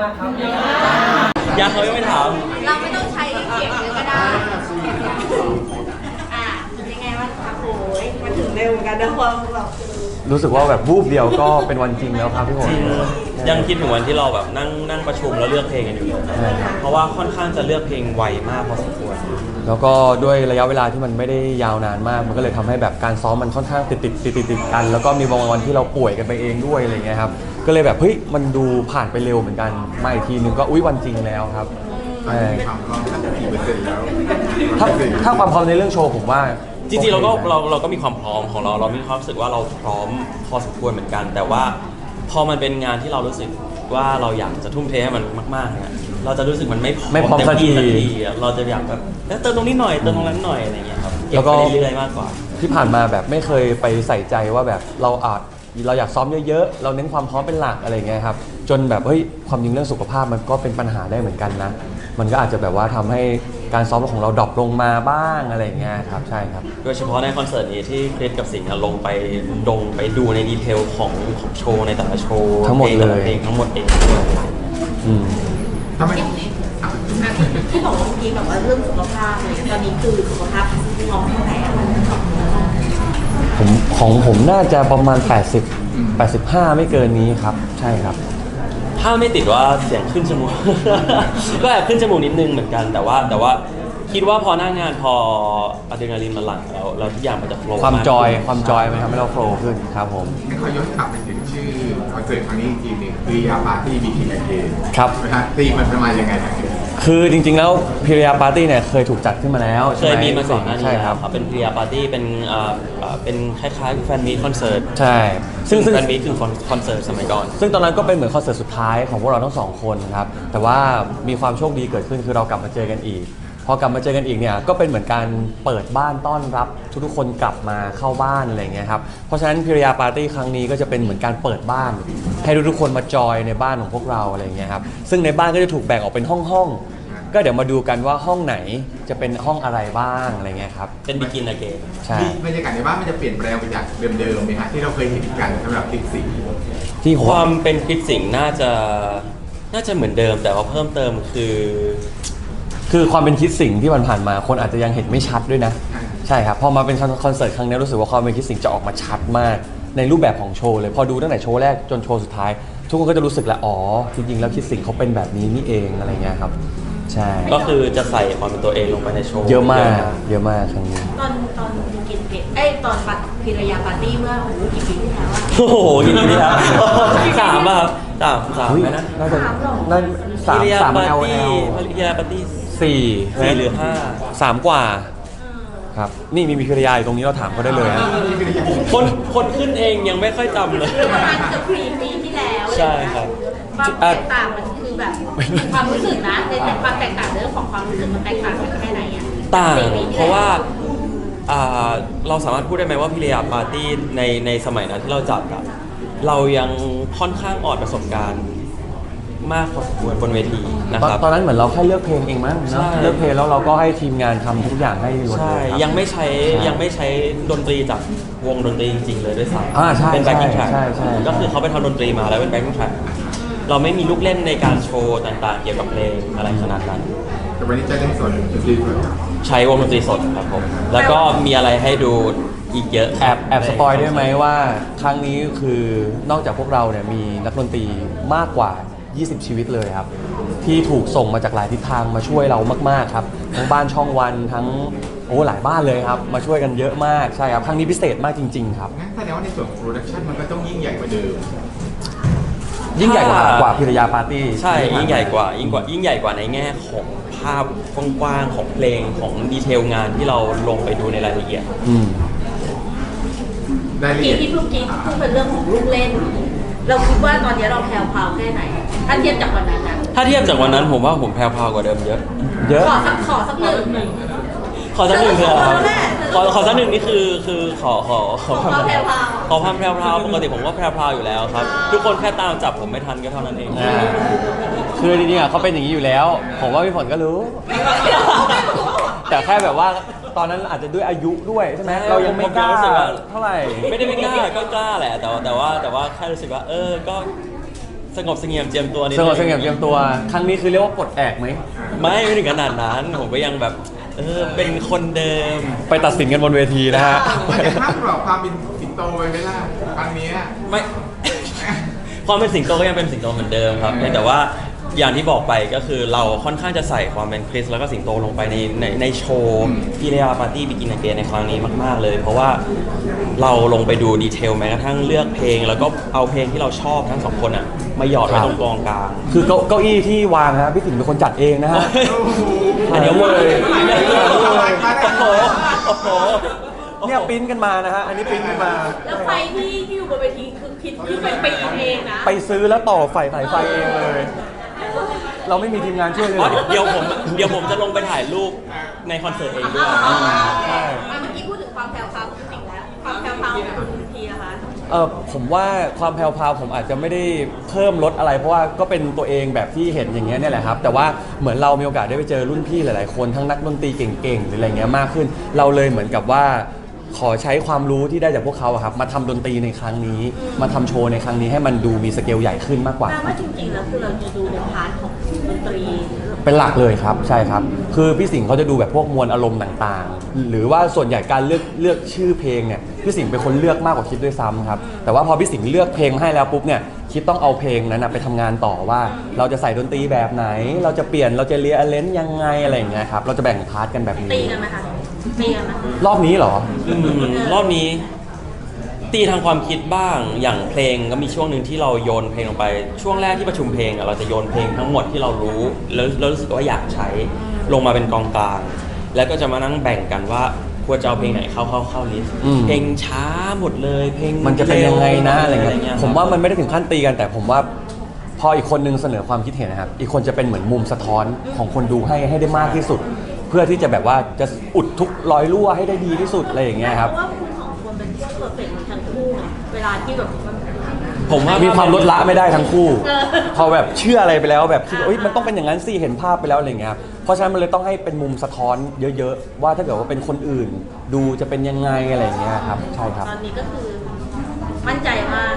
ากครับยังเขายังไม่ถามเราไม่ต้องใช้เสียงเยอะก็ได้ยังไงวะคะโอ้ยมาถึงเร็วเหมือนกันนะความแบบรู้สึกว่าแบบวูบเดียวก็เป็นวันจริงแล้วครับพี่ฝนจริงยังคิดถึงวันที่เราแบบนั่งประชุมแล้วเลือกเพลงกันอยู่เลยเพราะว่าค่อนข้างจะเลือกเพลงไวมากพอสมควรแล้วก็ด้วยระยะเวลาที่มันไม่ได้ยาวนานมากมันก็เลยทำให้แบบการซ้อมมันค่อนข้างติดกัน แล้วก็มีบางวันที่เราป่วยกันไปเองด้วยอะไรเงี้ยครับก็เลยแบบเฮ้ยมันดูผ่านไปเร็วเหมือนกันมาอีกทีนึงก็อุ๊ยวันจริงแล้วครับความพร้อมสักกี่เปอร์เซ็นต์แล้วถ้าความพร้อมในเรื่องโชว์ผมว่าจริงๆเราก็มีความพร้อมของเรามีความรู้สึกว่าเราพร้อมพอสมควรเหมือนกันแต่ว่าพอมันเป็นงานที่เรารู้สึกว่าเราอยากจะทุ่มเทให้มันมากๆเนี่ยเราจะรู้สึกมันไม่พร้อมสักทีเราจะอยากแบบเติมตรงนี้หน่อยเติมตรงนั้นหน่อยอะไรเงี้ยครับเก็บไปเรื่อยๆมากกว่าที่ผ่านมาแบบไม่เคยไปใส่ใจว่าแบบเราอยากซ้อมเยอะๆเราเน้นความพร้อมเป็นหลักอะไรเงี้ยครับจนแบบเฮ้ยความจริงเรื่องสุขภาพมันก็เป็นปัญหาได้เหมือนกันนะมันก็อาจจะแบบว่าทำให้การซ้อมของเราดรอปลงมาบ้างอะไรเงี้ยครับใช่ครับโดยเฉพาะในคอนเสิร์ตนี้ที่คริสกับสิงห์ลงไปดูในดีเทลของโชว์ในแต่ละโชว์ทั้งหมดเลยเพลงทั้งหมดเองทำไมที่บอกเมื่อกี้แบบว่าเรื่องสุขภาพเลยตอนนี้คือสุขภาพพร้อมแค่ไหนผมน่าจะประมาณ85ไม่เกินนี้ครับใช่ครับถ้าไม่ติดว่าเสียงขึ้นจมูก ก็แอบขึ้นจมูกนิดนึงเหมือนกันแต่ว่าคิดว่าพอหน้างานพออะดรีนาลีนมันหลั่งแล้วทุกอย่างมันจะโฟล์ความจอยมันทำให้เราโฟล์ขึ้นครับผมให้เขาย้อนกลับไปถึงชื่อคอนเสิร์ตครั้งนี้จริงๆคือยาปาร์ตี้บีทีไอเอครับนะฮะตีมันประมาณยังไงนะคือจริงๆแล้วพิริยาปาร์ตี้เนี่ยเคยถูกจัดขึ้นมาแล้วเคยมีมาก่อนหน้านี้ใช่ครับเป็นพิริยาปาร์ตี้เป็นคล้ายๆแฟนมีตคอนเสิร์ตใช่ซึ่งแฟนมีตคือคอนเสิร์ตสมัยก่อนซึ่งตอนนั้นก็เป็นเหมือนคอนเสิร์ตสุดท้ายของพวกเราทั้งสองคนครับแต่ว่ามีความโชคดีเกิดขึ้นคือเรากลับมาเจอกันอีกพอกลับมาเจอกันอีกเนี่ยก็เป็นเหมือนการเปิดบ้านต้อนรับทุกๆคนกลับมาเข้าบ้านอะไรเงี้ยครับเพราะฉะนั้นพิริยาปาร์ตี้ครั้งนี้ก็จะเป็นเหมือนการเปิดบ้านให้ทุกๆคนมาจอยในบ้านของพวกเราอะไรเงี้ยครับซึ่งในบ้านก็จะถูกแบ่งออกเป็นห้องก็เดี๋ยวมาดูกันว่าห้องไหนจะเป็นห้องอะไรบ้างอะไรเงี้ยครับเป็นบิกินอะเกนใช่บรรยากาศในบ้านมันจะเปลี่ยนแปลงไปจากเดิมๆไหมฮะที่เราเคยเห็นกันสำหรับคลิปสิงที่ความเป็นคลิปสิงน่าจะเหมือนเดิมแต่ว่าเพิ่มเติมคือความเป็นคิดสิ่งที่มันผ่านมาคนอาจจะยังเห็นไม่ชัดด้วยนะใช่ครับพอมาเป็นคอนเสิร์ตครั้งนี้รู้สึกว่าความเป็นคิดสิ่งจะออกมาชัดมากในรูปแบบของโชว์เลยพอดูตั้งแต่โชว์แรกจนโชว์สุดท้ายทุกคนก็จะรู้สึกแล้วอ๋อจริงๆแล้วคิดสิ่งเขาเป็นแบบนี้นี่เองอะไรเงี้ยครับใช่ก็คือจะใส่ความเป็นตัวเองลงไปในโชว์เยอะมากครั้งนี้ตอนกินเผ็ดตอนปัดพิรยาปาร์ตี้เมื่อกี่ปีที่แล้วโอ้โหกี่ปีที่แล้ว3ป่ะครับ3ไหมนะน่าจะ3 LL พิรยาปาร์ตี้4หรือ 3กว่าครับนี่มีพิรยาอยู่ตรงนี้เราถามเขาได้เลยนะคนขึ้นเองยังไม่ค่อยจำเลยประมาณเกือบปีที่แล้วใช่ครับความแตกต่างมันคือแบบความรู้สึกนะในความแตกต่างเรื่องของความรู้สึกมันแตกต่างกันแค่ไหนอ่ะต่างเพราะว่าเราสามารถพูดได้ไหมว่าพิรยาปาร์ตี้ในสมัยนั้นที่เราจัดอะเรายังค่อนข้างอ่อนประสบการณ์มากพอสมควรบนเวทีนะครับตอนนั้นเหมือนเราแค่เลือกเพลงเองมั้งเลือกเพลงแล้วเราก็ให้ทีมงานทำทุกอย่างให้หมดเลยยังไม่ใช้ดนตรีจากวงดนตรีจริงๆเลยด้วยซ้ำเป็นแบ็คกิ้งแทร็กใช่ก็คือเขาไปทำดนตรีมาแล้วเป็นแบ็คกิ้งแทร็กเราไม่มีลูกเล่นในการโชว์ต่างๆเกี่ยวกับเพลงอะไรขนาดนั้นแต่วันนี้จะเล่นสดดนตรีสดใช้วงดนตรีสดครับผมแล้วก็มีอะไรให้ดูอีกเยอะแอบสปอยได้ไหมว่าครั้งนี้คือนอกจากพวกเราเนี่ยมีนักดนตรีมากกว่า20ชีวิตเลยครับที่ถูกส่งมาจากหลายทิศทางมาช่วยเรามากๆครับทั้งบ้านช่องวันทั้งหลายบ้านเลยครับมาช่วยกันเยอะมากใช่ครับครั้งนี้พิเศษมากจริงๆครับงั้นแสดงว่าในส่วนของโปรดักชันมันก็ต้องยิ่งใหญ่กว่าเดิมยิ่งใหญ่กว่าพิรยาปาร์ตี้ใช่ยิ่งใหญ่กว่าในแง่ของภาพกว้างๆของเพลงของดีเทลงานที่เราลงไปดูในรายละเอียดที่พูดเป็นเรื่องของลูกเล่นเราคิดว่าตอนนี้เราแพรวพราวแค่ไหนถ้าเทียบจากวันนั้นนะถ้าเทียบจากวันนั้นผมว่าผมแพรวพราวกว่าเดิมเยอะขอสักหนึ่งขอสักหนึ่งคือขอสักหนึ่งนี่คือขอความแพรวพราวปกติผมก็แพรวพราวอยู่แล้วครับทุกคนแค่ตามจับผมไม่ทันก็เท่านั้นเองคือจริงๆเขาเป็นอย่างนี้อยู่แล้วผมว่าพี่ฝนก็รู้แต่แค่แบบว่าตอนนั้นอาจจะด้วยอายุด้วยใช่ไหมเรายังไม่กล้าเท่าไหร่ไม่ได้ไม่กล้าก็กล้าแหละแต่ว่าแค่รู้สึกว่าก็สงบเสงี่ยมเจียมตัวนิดสนึงบเสงี่ยมเตรียมตัว ครั้งนี้คือเรียกว่าปลดแอกไหมไม่ถึงขนาดนั้น ผมก็ยังแบบเป็นคนเดิมไปตัดสินกันบนเวทีนะฮะมันจะภาพกรอบความเป็นสิงโตไปไหมล่ะครั้งเนี้ยไม่ ความเป็นสิงโตก็ยังเป็นสิงโตเหมือนเดิมครับเพียงแต่ว่าอย่างที่บอกไปก็คือเราค่อนข้างจะใส่ความเป็นคริสแล้วก็สิงโตลงไปในโชว์พิเรียปาร์ตี้บิกินเกนในครั้งนี้มากๆเลย เพราะว่าเราลงไปดูดีเทลแม้กระทั่งเลือกเพลง แล้วก็เอาเพลงที่เราชอบทั้งสองคนอ่ะมาหยอดไว้ตรงกองกลางคือเก้าอี้ที่วางฮะพี่สิงห์เป็นคนจัดเองนะฮะโอ้โหอันนี้เลย โอ้โหเนี่ยปริ้นกันมานะฮะ อันนี้ปริ้นกันมาแล้วไฟที่อยู่บนเวทีคือคิดที่เป็นปีเองนะไปซื้อแล้วต่อไฟสายไฟเองเลย เราไม่มีทีมงานช่วยเลยอ๋อเหรอเดี๋ยวผมจะลงไปถ่ายรูปในคอนเสิร์ตเองด้วยใช่เมื่อกี้พูดถึงความแพรวพราวของสิ่งแล้วความแพรวพราวของคุณพีนะคะผมว่าความแพรวๆผมอาจจะไม่ได้เพิ่มลดอะไร เพราะว่าก็เป็นตัวเองแบบที่เห็นอย่างเงี้ยเนี่ยแหละครับ แต่ว่าเหมือนเรามีโอกาสได้ไปเจอรุ่นพี่หลายๆคนทั้งนักดนตรีเก่งๆหรืออะไรเงี้ยมากขึ้น เราเลยเหมือนกับว่าขอใช้ความรู้ที่ได้จากพวกเขาอะครับมาทำดนตรีในครั้งนี้ มาทำโชว์ในครั้งนี้ให้มันดูมีสเกลใหญ่ขึ้นมากกว่าแปลว่าจริงๆแล้วคือเราจะดูในพาร์ทของดนตรีเป็นหลักเลยครับใช่ครับคือพี่สิงห์เขาจะดูแบบพวกมวลอารมณ์ต่างๆ หรือว่าส่วนใหญ่การเลือกชื่อเพลงเนี่ยพี่สิงห์เป็นคนเลือกมากกว่าคิดด้วยซ้ำครับแต่ว่าพอพี่สิงห์เลือกเพลงให้แล้วปุ๊บเนี่ยคิดต้องเอาเพลงนั้นนะไปทำงานต่อว่า เราจะใส่ดนตรีแบบไหน เราจะเปลี่ยนเราจะเรียนเลนยังไงอะไรอย่างเงี้ยครับเราจะแบ่งพาร์ทกันแบบตีนี้กันไหมคะตีกันไหมรอบนี้เหรอรอบนี้ตีทางความคิดบ้างอย่างเพลงก็มีช่วงหนึ่งที่เราโยนเพลงลงไปช่วงแรกที่ประชุมเพลงอะเราจะโยนเพลงทั้งหมดที่เรารู้แล้วรู้สึกว่าอยากใช้ลงมาเป็นกองกลาง แล้วก็จะมานั่งแบ่งกันว่าควรจะเอาเพลงไหนเข้าลิสต์อืมเพลงช้าหมดเลยเพลงมันจะเป็นยังไงนะอะไรเงี้เงี้ยยผมว่ามันไม่ได้ถึงขั้นตีกันแต่ผมว่าพออีกคนนึงเสนอความคิดเห็นนะครับอีกคนจะเป็นเหมือนมุมสะท้อนของคนดูให้ได้มากที่สุด เพื่อที่จะแบบว่าจะอุดทุกรอยรั่วให้ได้ดีที่สุดอะไรอย่างเงี้ยครับเพราะว่าคุณสองคนเป็นพวกเพอร์เฟกต์ทั้งคู่ไงเวลาที่แบบมันผมว่ามีความลดละไม่ได้ทั้งคู่เออพอแบบเชื่ออะไรไปแล้วแบบคิดว่าเอ้ยมันต้องเป็นอย่างนั้นสิเห็นภาพไปแล้วอะไรเงี้ยครับเพราะฉะนั้นมันเลยต้องให้เป็นมุมสะท้อนเยอะๆว่าถ้าเกิดว่าเป็นคนอื่น ดูจะเป็นยังไงอะไรอย่างเงี้ยครับใช่ครับตอนนี้ก็คือมั่นใจมาก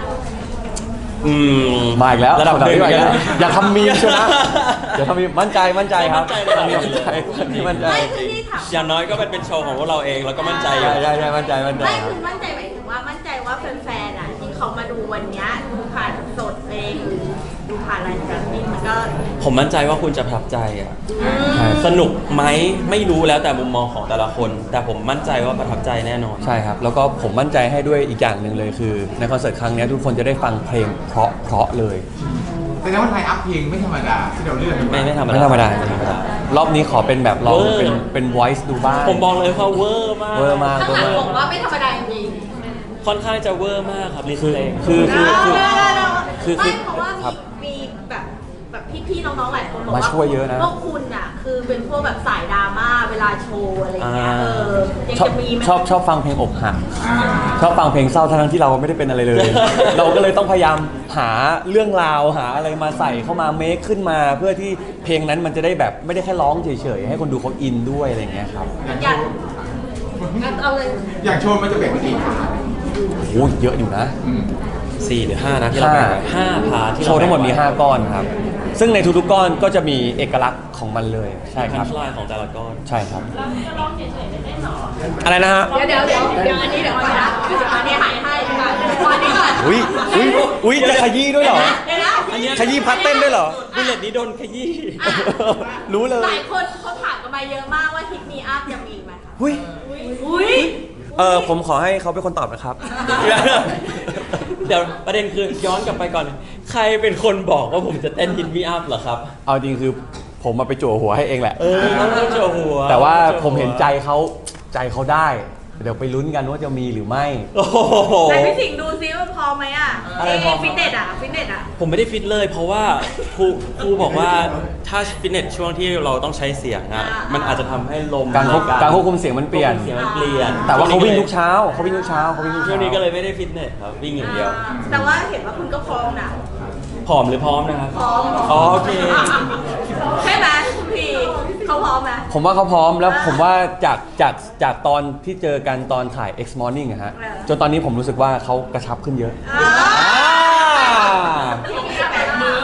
มาอีกแล้วระดับหนึ่งมาอีกแล้วนะอย่าทำมีมใช่ไหมอย่าทำมีมมั่นใจครับมั่นใจมั่นใจมั่นใจไม่คือที่ถามอย่างน้อยก็เป็นโชว์ของพวกเราเองแล้วก็มั่นใจอยู่ใช่มั่นใจไม่คือมั่นใจหมายถึงว่ามั่นใจว่าแฟนๆอ่ะที่เขามาดูวันเนี้ยดูผ่านสดเองหรือดูผ่านรายการนี้มันก็ผมมั่นใจว่าคุณจะประทับใจอ่ะใช่สนุกไหมไม่รู้แล้วแต่มุมมองของแต่ละคน แต่ผมมั่นใจว่าประทับใจแน่นอนใช่ครับ แล้วก็ผมมั่นใจให้ด้วยอีกอย่างหนึ่งเลยคือ ในคอนเสิร์ตครั้งนี้ทุกคนจะได้ฟังเพลงเพราะเลยแสดงว่าไทยอัพเพลงไม่ธรรมดาที่เราเลือกกันไม่ธรรมดาไม่ธรรมดาไม่ธรรมดารอบนี้ขอเป็นแบบลองเวอร์เป็น voice ดูบ้างผมบอกเลยว่าเวอร์มากเวอร์มากข้างหลังบอกว่าไม่ธรรมดาจริงค่อนข้างจะเวอร์มากครับลิสคือเพลงคือๆคือไม่เพราะว่าครับมีแบบพี่ๆน้องๆหลายคนบอกว่ามาช่วยเยอะนะพวกคุณอ่ะคือเป็นพวกแบบสายดราม่าเวลาโชว์อะไรอย่างเงี้ยยังชอบจะมีไหมชอบฟังเพลงอกหักอ่าชอบฟังเพลงเศร้าทั้งที่เราไม่ได้เป็นอะไรเลย เราก็เลยต้องพยายามหาเรื่องราวหาอะไรมาใส่เข้ามาเมคขึ้นมา เพื่อที่เพลงนั้นมันจะได้แบบไม่ได้แค่ร้องเฉยๆให้คนดูเขาอินด้วยอะไรอย่างเงี้ยครับอยากเอาเลยอย่างโชว์มันจะแบ่งเป็นกี่พาร์ทโอ้เยอะอยู่นะอืม 4 หรือ 5 นะที่เราแบ่งไว้5 พาร์ทที่โชว์ทั้งหมดมี 5 ก้อนครับ ซึ่งในทุกๆก้อนก็จะมีเอกลักษณ์ของมันเลยใช่คพัรันบช์ไลน์ของแต่ละก้อนใช่ครับอะไรนะฮะเดี๋ยวอันนี้เดี๋ยวก่อนนะอันนี้หายให้ดีกว่าอันนี้ก่อนอุ้ยจะขยี้ด้วยเหรอเดี๋ยวนะอันเนี้ยขยี้พัดเต้นด้วยเหรอบุลเลตนี้โดนขยี้รู้เลยหลายคนเขาถามกันมาเยอะมากว่าฮิตมีอัพจะมีไหมคะอุ้ยอุ้ยผมขอให้เขาเป็นคนตอบนะครับเดี๋ยวประเด็นคือย้อนกลับไปก่อน ใครเป็นคนบอกว่าผมจะเต้นฮิตมีอัพเหรอครับเอาจริงคือผมมาไปจั่วหัวให้เองแหละต้องโชว์หัวแต่ว่าผมเห็นใจเขาได้ เดี๋ยวไปลุ้นกันว่าจะมีหรือไม่โอ้โหแต่พี่สิงห์ดูซิว่าพอไหมอ่ะอะไรพอครับฟิตเนสอ่ะผมไม่ได้ฟิตเลย เพราะว่าครูบอกว่าถ้าฟิตเนสช่วงที่เราต้องใช้เสียงอ่ะมันอาจจะทำให้ลมการควบคุมเสียงมันเปลี่ยนเสียงมันเปลี่ยนแต่ว่าเขาวิ่งทุกเช้าเขาวิ่งทุกเช้าช่วงนี้ก็เลยไม่ได้ฟิตเนสครับวิ่งอย่างเดียวแต่ว่าเห็นว่าคุณก็พร้อมนะผอมหรือพร้อมนะครับพร้อมอ๋อโอเคใช่ไหมคุณพีเขาพร้อมไหมผมว่าเขาพร้อมแล้วผมว่าจากตอนที่เจอกันตอนถ่าย X Morning อะฮะเออจนตอนนี้ผมรู้สึกว่าเขากระชับขึ้นเยอะอ่าอ่ามือ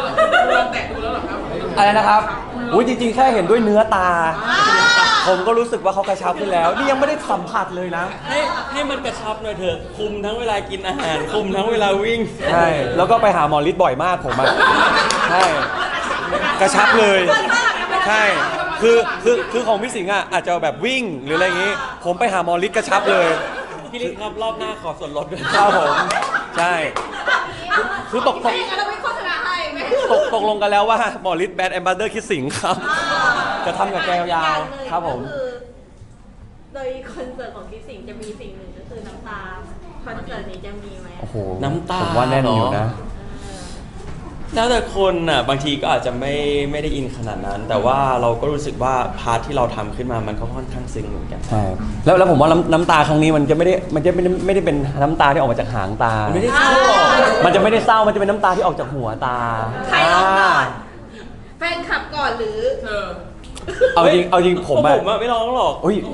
อะไรนะครับอุ้ยจริงๆแค่เห็นด้วยเนื้อตา ผมก็รู้สึกว่าเขากระชับขึ้นแล้ว นี่ยังไม่ได้สัมผัสเลยนะให้มันกระชับหน่อยเถอะคุมทั้งเวลากินอาหารคุมทั้งเวลาวิ่งใช่ แล้วก็ไปหาหมอฤทธิ์บ่อยมากผมอะใช่ กระชับเลย ใช่ คือของพี่สิงห์อะอาจจะแบบวิ่งหรืออะไรอย่างงี้ ผมไปหาหมอฤทธิ์กระชับเลยพี่ลิศครับรอบหน้าขอส่วนลดด้วยครับผม ใช่ คือตกไม่งั้นเราไม่โฆษณาให้ไหมตกลงกันแล้วว่าหมอฤทธิ์แบรนด์แอมบาสเดอร์คิดสิงห์ครับ จะทำกับแกยาวๆครับผมก็อโดยคอนเสิร์ตของพี่สิงห์จะมีสิ่งหนึ่งก็คือน้ำตาคอนเสิร์ตนี้จะมีไหมโอ้โหน้ำตาผมว่าแน่นอยู่นะแล้วแต่คนน่ะบางทีก็อาจจะไม่ได้อินขนาดนั้น แต่ว่าเราก็รู้สึกว่าพาร์ทที่เราทำขึ้นมามันก็ค่อนข้างซึ้งเหมือนกันใช่ แล้วผมว่าน้ำตาครั้งนี้มันจะไม่ได้เป็นน้ำตาที่ออกมาจากหางตามันไม่ได้เศร้าหรอกมันจะไม่ได้เศร้า มันจะเป็นน้ำตาที่ออกจากหัวตาใครร้องก่อนแฟนคลับก่อนหรือเอาจริงผมผอะมอะไม่ร้องหรอกอุ้ย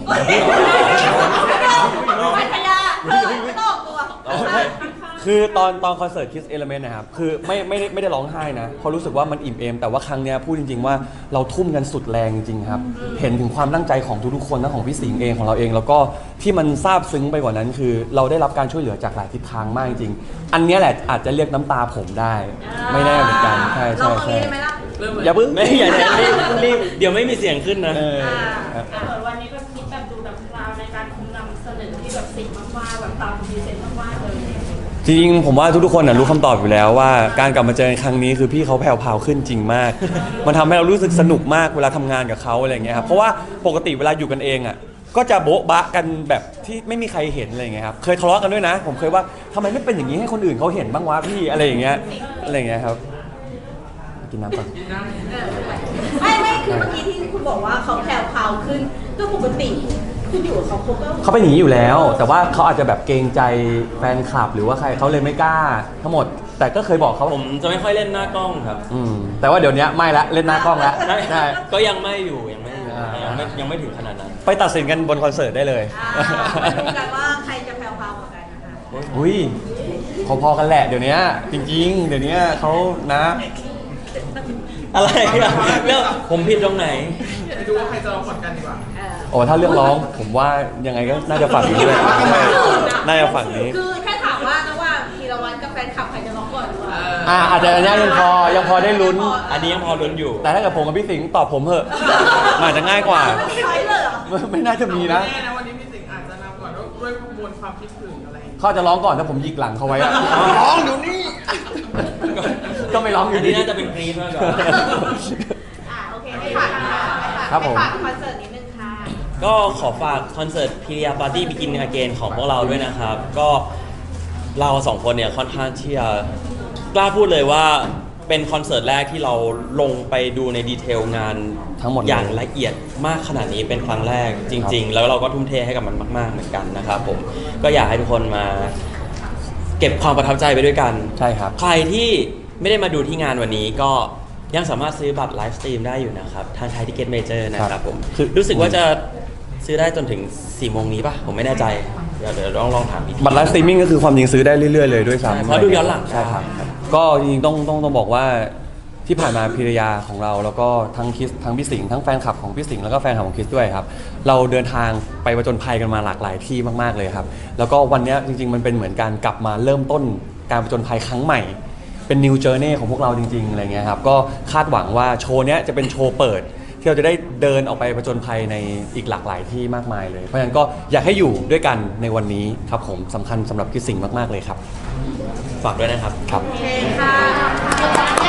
พัทยาไม่ต้องออกตัวคือตอนคอนเสิร์ต Kiss Element นะครับ คือไม่ได้ร้องไห้นะเพราะรู้สึกว่ามันอิ่มเอม แต่ว่าครั้งเนี้ยพูดจริงๆว่าเราทุ่มกันสุดแรงจริงๆครับ เห็นถึงความตั้งใจของทุกๆคนทั้งของพี่สิงห์เองของเราเอง แล้วก็ที่มันซาบซึ้งไปกว่านั้นคือ เราได้รับการช่วยเหลือจากหลายทิศทางมากจริงๆอันเนี้ยแหละอาจจะเรียกน้ำตาผมได้ ไม่แน่เหมือนกัน ใช่ลองใช่ตรงใช่นี้ได้ไหมล่ะอย่าเพิ่งไม่อย่ารีบเดี๋ยวไม่มีเสียงขึ้นนะเออเหมือนวันนี้แบบคิดแบบดูแบบพราวในการคุมนำเสนอที่แบบสิ่งมากๆแบบตามพรีเซนต์มากๆเลยจริงๆผมว่าทุกๆคนรู้คำตอบอยู่แล้วว่าการกลับมาเจอกันครั้งนี้คือพี่เขาแผ่วๆขึ้นจริงมาก มันทำให้เรารู้สึกสนุกมากเวลาทำงานกับเขาอะไรอย่างเงี้ยครับเพราะว่าปกติเวลาอยู่กันเองอ่ะก็จะโบ๊ะบะกันแบบที่ไม่มีใครเห็นอะไรอย่างเงี้ยครับเคยทะเลาะกันด้วยนะ ผมเคยว่าทำไมไม่เป็นอย่างนี้ให้คนอื่นเขาเห็นบ้างวะพี่อะไรอย่างเงี้ยครับกินน้ำก่อนไม่คือเมื่อกี้ที่คุณบอกว่าเขาแผ่วพราวขึ้นก็ปกติคุณอยู่กับเขาก็เขาเป็นอย่างนี้อยู่แล้ว แต่ว่าเขาอาจจะแบบเกรงใจแฟนคลับ หรือว่าใครเขาเลยไม่กล้าทั้งหมด แต่ก็เคยบอกเขาผมจะไม่ค่อยเล่นหน้ากล้องครับแต่ว่าเดี๋ยวนี้ไม่ละเล่นหน้ากล้องละใช่ก็ยังไม่อยู่ยังไม่ถึงขนาดนั้นไปตัดสินกันบนคอนเสิร์ตได้เลยมาดูกันว่าใครจะแผ่วพราวกว่ากันนะคะอุ้ยพอๆกันแหละเดี๋ยวนี้จริงๆ เดี๋ยวนี้เขานะอะไรอะเรื่องผมผิดตรงไหนไปดูว่าใครจะร้องก่อนกันดีกว่าโอ้ถ้าเรื่องร้องผมว่ายังไงก็น่าจะฝั่งนี้เลยน่าจะฝั่งนี้คือแค่ถามว่าระหว่างธีรวัตรกับแฟนคลับใครจะร้องก่อนหรือเปล่าอาจจะอันนี้ยังพอได้ลุ้นอันนี้ยังพอลุ้นอยู่แต่ถ้าเกิดผมกับพี่สิงห์ตอบผมเถอะมันอาจจะง่ายกว่าไม่ใช่เลยเหรอไม่น่าจะมีนะแน่นะวันนี้พี่สิงห์อาจจะนำก่อนด้วยมวลความคิดถึงอะไรอย่างเงี้ยเขาจะร้องก่อนถ้าผมหยิกหลังเขาไว้อะร้องเดี๋ยวนี้ก็ไม่ร้องออัยู่นดีนี้น่าจะเป็นกรี๊ดมากกว่าโอเคให้ฝากค่ะครับผมให้ฝากคอนเสิร์ตนิดนึงค่ะก็ขอฝากคอนเสิร์ตพิริยาปาร์ตี้บิกินอาเกนของพวกเราด้วยนะครับ ก็เราสองคนเนี่ยค่อนข้างที่จะกล้าพูดเลยว่าเป็นคอนเสิร์ตแรกที่เราลงไปดูในดีเทลงานทั้งหมดเลยอย่างละเอียดมากขนาดนี้เป็นครั้งแรกจริง ๆ แล้วเราก็ทุ่มเทให้กับมันมากๆเหมือนกันนะครับผมก็อยากให้ทุกคนมาเก็บความประทับใจไปด้วยกันใช่ครับใครที่ไม่ได้มาดูที่งานวันนี้ก็ยังสามารถซื้อบัตรไลฟ์สตรีมได้อยู่นะครับ ทางไทยทิเก็ตเมเจอร์นะครับผมคือรู้สึกว่าจะซื้อได้จนถึง 4 โมงนี้ป่ะ ผมไม่แน่ใจ เดี๋ยวลองถามอีกทีบัตรไลฟ์สตรีมมิ่งก็คือความจริงซื้อได้เรื่อยๆเลยด้วยใช่ซ้ำเพราะดูย้อนหลังใช่ครับ ก็จริงๆต้องบอกว่าที่ผ่านมาพิรยาของเราแล้วก็ทั้งคิสทั้งพี่สิงห์ทั้งแฟนคลับของพี่สิงห์แล้วก็แฟนคลับของคิสด้วยครับเราเดินทางไปผจญภัยกันมาหลากหลายที่มากๆเลยครับแล้วก็วันเนี้ยจริงๆมันเป็นเหมือนการกลับมาเริ่มต้นการผจญภัยครั้งใหม่ เป็น new journey ของพวกเราจริงๆอะไรเงี้ยครับก็คาดหวังว่าโชว์เนี้ยจะเป็นโชว์เปิด ที่เราจะได้เดินออกไปผจญภัยในอีกหลากหลายที่มากมายเลย เพราะฉะนั้นก็อยากให้อยู่ด้วยกันในวันนี้ครับผมสำคัญสำหรับคิดสิ่งมากๆเลยครับฝากด้วยนะครับครับโอเคค่ะ